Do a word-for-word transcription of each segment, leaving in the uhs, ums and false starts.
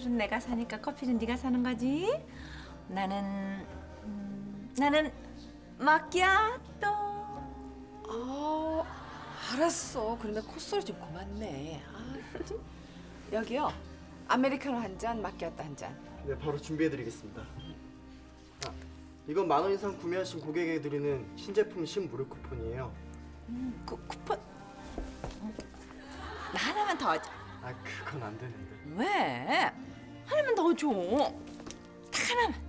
술은 내가 사니까 커피는 네가 사는 거지? 나는 음, 나는 마키아토. 아, 알았어. 그러면 콧소리 좀 그만 내. 아, 좀. 여기요. 아메리카노 한 잔, 마키아토 한 잔. 네, 바로 준비해드리겠습니다. 아, 이건 만 원 이상 구매하신 고객에게 드리는 신제품 신무료 쿠폰이에요. 그 쿠폰 나 하나만 더 줘. 아, 그건 안 되는데. 왜? 하나만 더 줘. 딱 하나만.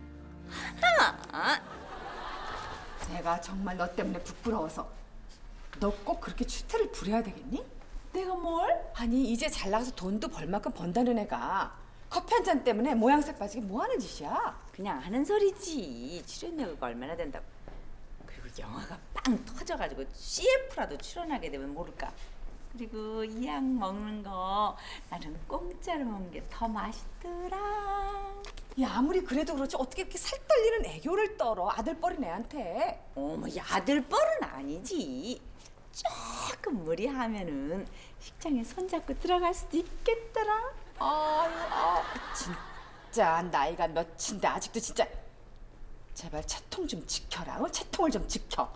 하나. 내가 정말 너 때문에 부끄러워서 너 꼭 그렇게 추태를 부려야 되겠니? 내가 뭘? 아니 이제 잘 나가서 돈도 벌 만큼 번다는 애가 커피 한 잔 때문에 모양새 빠지게 뭐 하는 짓이야? 그냥 하는 소리지. 출연료가 얼마나 된다고. 그리고 영화가 빵 터져가지고 씨에프라도 출연하게 되면 모를까. 그리고 이 약 먹는 거 나는 공짜로 먹는 게 더 맛있더라. 야 아무리 그래도 그렇지 어떻게 이렇게 살 떨리는 애교를 떨어 아들뻘인 애한테. 어머, 야들뻘은 아니지. 조금 무리하면은 식장에 손잡고 들어갈 수도 있겠더라. 아유, 아, 진짜 나이가 몇인데 아직도 진짜 제발 채통 좀 지켜라. 어? 채통을 좀 지켜.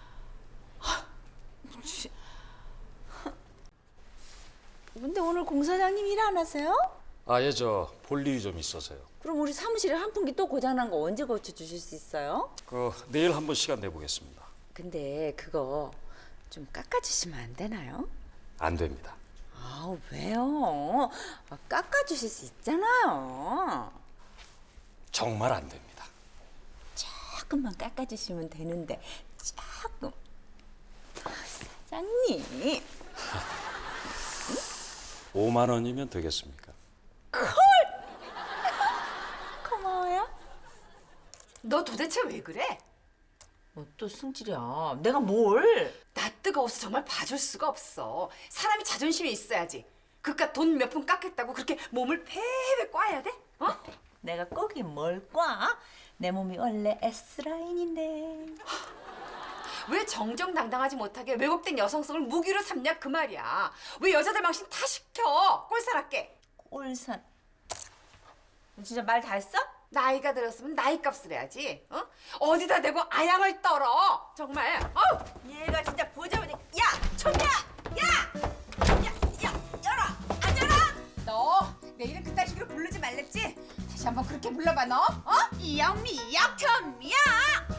근데 오늘 공사장님 일 안 하세요? 아, 예, 저 볼 일이 좀 있어서요. 그럼 우리 사무실에 환풍기 또 고장난 거 언제 고쳐주실 수 있어요? 그 내일 한번 시간 내보겠습니다. 근데 그거 좀 깎아주시면 안 되나요? 안 됩니다. 아, 왜요? 아, 깎아주실 수 있잖아요. 정말 안 됩니다. 조금만 깎아주시면 되는데 조금. 아, 사장님. 오만 원이면 되겠습니까? 고마워요. 너 도대체 왜 그래? 뭐 또 승질이야. 내가 뭘? 나 뜨거워서 정말 봐줄 수가 없어. 사람이 자존심이 있어야지. 그깟 돈 몇 푼 깎겠다고 그렇게 몸을 패배 꽈야 돼? 어? 내가 꼭이 뭘 꽈? 내 몸이 원래 S라인인데. 왜 정정당당하지 못하게 왜곡된 여성성을 무기로 삼냐 그 말이야. 왜 여자들 망신 다 시켜? 꼴사납게. 꼴산. 진짜 말 다 했어? 나이가 들었으면 나이 값을 해야지. 어? 어디다 대고 아양을 떨어. 정말. 어? 얘가 진짜 보자마자 야! 촌야! 야! 야! 야! 열어! 안 열어! 너 내일은 그딴 식으로 부르지 말랬지? 다시 한번 그렇게 불러봐 너. 어? 이영미 역천미야!